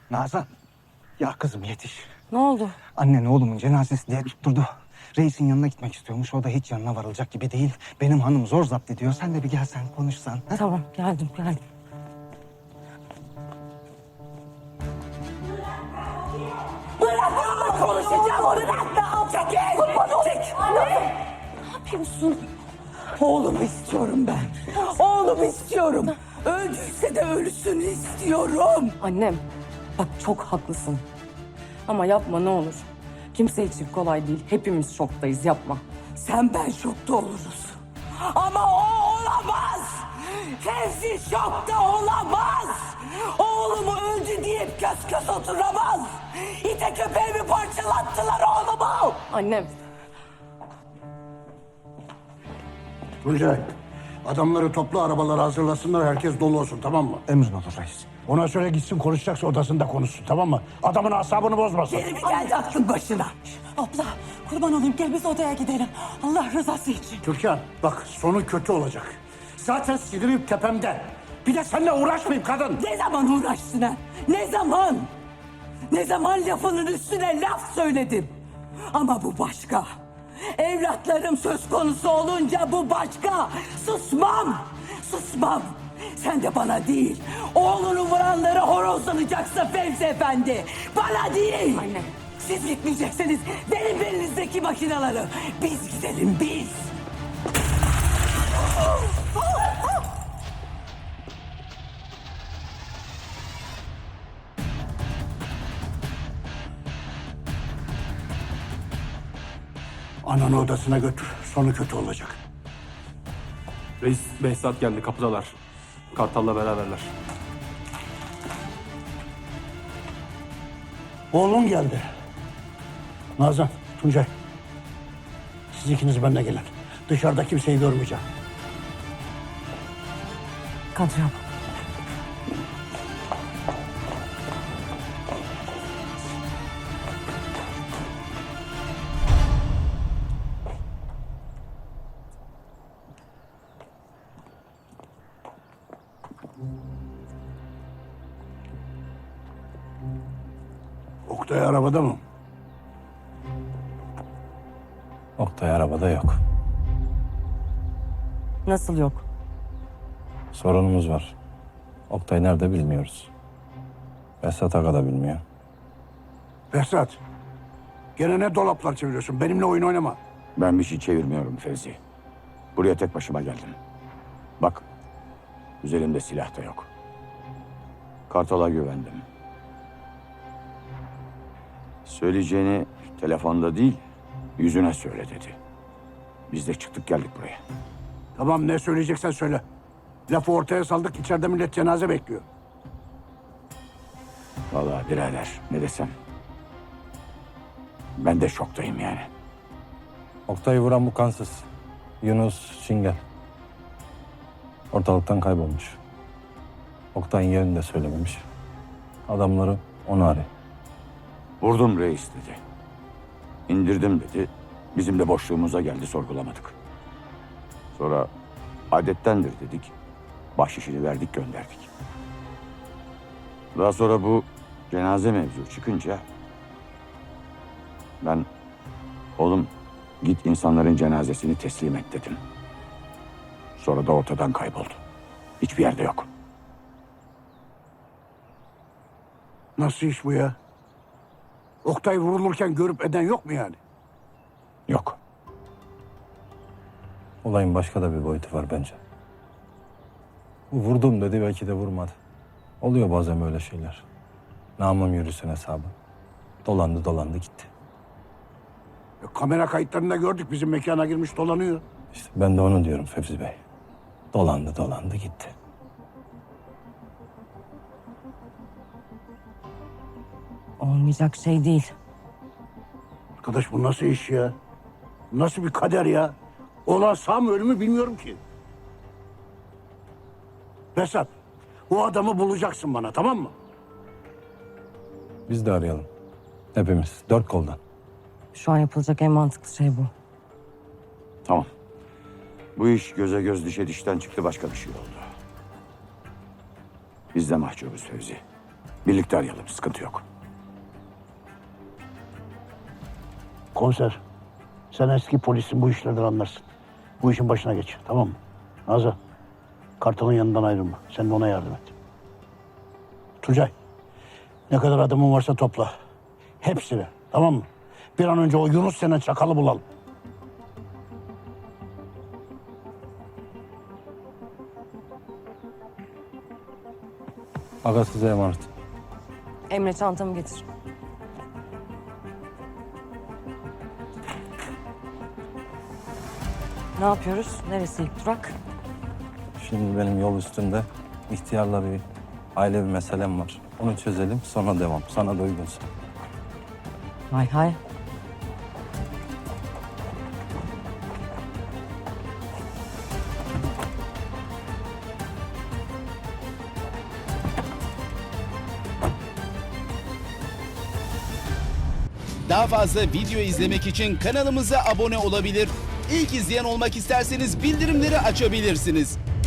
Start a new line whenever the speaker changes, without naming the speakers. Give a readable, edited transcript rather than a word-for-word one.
Nazan. Ya kızım yetiş.
Ne oldu?
Annen oğlumun cenazesi diye tutturdu. Reisin yanına gitmek istiyormuş. O da hiç yanına varılacak gibi değil. Benim hanım zor zapt ediyor. Sen de bir gelsen konuşsan. Ha?
Tamam geldim.
Bırak konuşacağım onu. Çekil. Çek. Ne yapıyorsun? Oğlumu istiyorum ben. Oğlumu istiyorum. Öldüyse de ölüsünü istiyorum.
Annem bak çok haklısın. Ama yapma ne olur. Kimse için kolay değil. Hepimiz şoktayız yapma.
Sen ben şokta oluruz. Ama o olamaz. Fevzi şokta olamaz. Oğlumu öldü deyip kös oturamaz. İte köpeğimi parçalattılar oğlumu.
Annem
Tuncay, adamları topla, arabaları hazırlasınlar, herkes dolu olsun, tamam mı?
Emrin olur reis.
Ona söyle gitsin, konuşacaksa odasında konuşsun, tamam mı? Adamın asabını bozmasın.
Geri mi geldi aklın başına?
Abla kurban olayım gel biz odaya gidelim. Allah rızası için.
Türkan, bak sonu kötü olacak. Zaten sinirim tepemde. Bir de seninle uğraşmayayım kadın.
Ne zaman uğraştın ha? Ne zaman? Ne zaman lafının üstüne laf söyledim? Ama bu başka. Evlatlarım söz konusu olunca bu başka. Susmam. Sen de bana değil, oğlunu vuranlara horozlanacaksın Fevzi Efendi. Bana değil.
Anne.
Siz gitmeyeceksiniz. Benim belinizdeki makinaları. Biz gidelim biz.
Ananı odasına götür, sonu kötü olacak.
Reis Behzat geldi, kapıdalar. Kartal'la beraberler.
Oğlun geldi. Nazan, Tuncay. Siz ikiniz benimle gelin. Dışarıda kimseyi görmeyeceğim.
Kadri abla.
Oktay arabada mı?
Oktay arabada yok.
Nasıl yok?
Sorunumuz var. Oktay nerede bilmiyoruz. Behzat Aga da bilmiyor.
Behzat, gene ne dolaplar çeviriyorsun? Benimle oyun oynama.
Ben bir şey çevirmiyorum Fevzi. Buraya tek başıma geldim. Bak, üzerimde silah da yok. Kartal'a güvendim. Söyleyeceğini telefonda değil, yüzüne söyle dedi. Biz de çıktık geldik buraya.
Tamam, ne söyleyeceksen söyle. Lafı ortaya saldık, içeride millet cenaze bekliyor.
Vallahi birader, ne desem. Ben de şoktayım yani.
Oktay'ı vuran bu kansız. Yunus Çingel. Ortalıktan kaybolmuş. Oktay'ın yerini de söylememiş. Adamları onu arıyor.
Vurdum reis dedi. İndirdim dedi. Bizim de boşluğumuza geldi, sorgulamadık. Sonra adettendir dedik. Bahşişini verdik, gönderdik. Daha sonra bu cenaze mevzu çıkınca ben oğlum git insanların cenazesini teslim et dedim. Sonra da ortadan kayboldu. Hiçbir yerde yok.
Nasıl iş bu ya? Oktay vurulurken görüp eden yok mu yani?
Yok.
Olayın başka da bir boyutu var bence. Bu vurdum dedi, belki de vurmadı. Oluyor bazen böyle şeyler. Namım yürüsün hesabı. Dolandı gitti.
Kamera kayıtlarında gördük, bizim mekana girmiş dolanıyor.
İşte ben de onu diyorum Fevzi Bey. Dolandı gitti.
Olmayacak şey değil.
Arkadaş bu nasıl iş ya? Bu nasıl bir kader ya? Olan sağ mı ölü mü bilmiyorum ki. Behzat, o adamı bulacaksın bana, tamam mı?
Biz de arayalım. Hepimiz, 4 koldan.
Şu an yapılacak en mantıklı şey bu.
Tamam. Bu iş göze göz dişe dişten çıktı, başka bir şey oldu. Biz de mahcubuz Fevzi. Birlikte arayalım, sıkıntı yok.
Komiser, sen eski polisin, bu işlerden anlarsın. Bu işin başına geç, tamam mı? Nazan, Kartal'ın yanından ayrılma. Sen de ona yardım et. Tuncay, ne kadar adamın varsa topla. Hepsini, tamam mı? Bir an önce o Yunus denen çakalı bulalım.
Aga size emanet.
Emre çantamı getir. Ne yapıyoruz? Neresi ilk durak?
Şimdi benim yol üstünde ihtiyarla bir ailevi meselem var. Onu çözelim sonra devam. Sana da uygunsa.
Hay hay.
Daha fazla video izlemek için kanalımıza abone olabilir. İlk izleyen olmak isterseniz bildirimleri açabilirsiniz.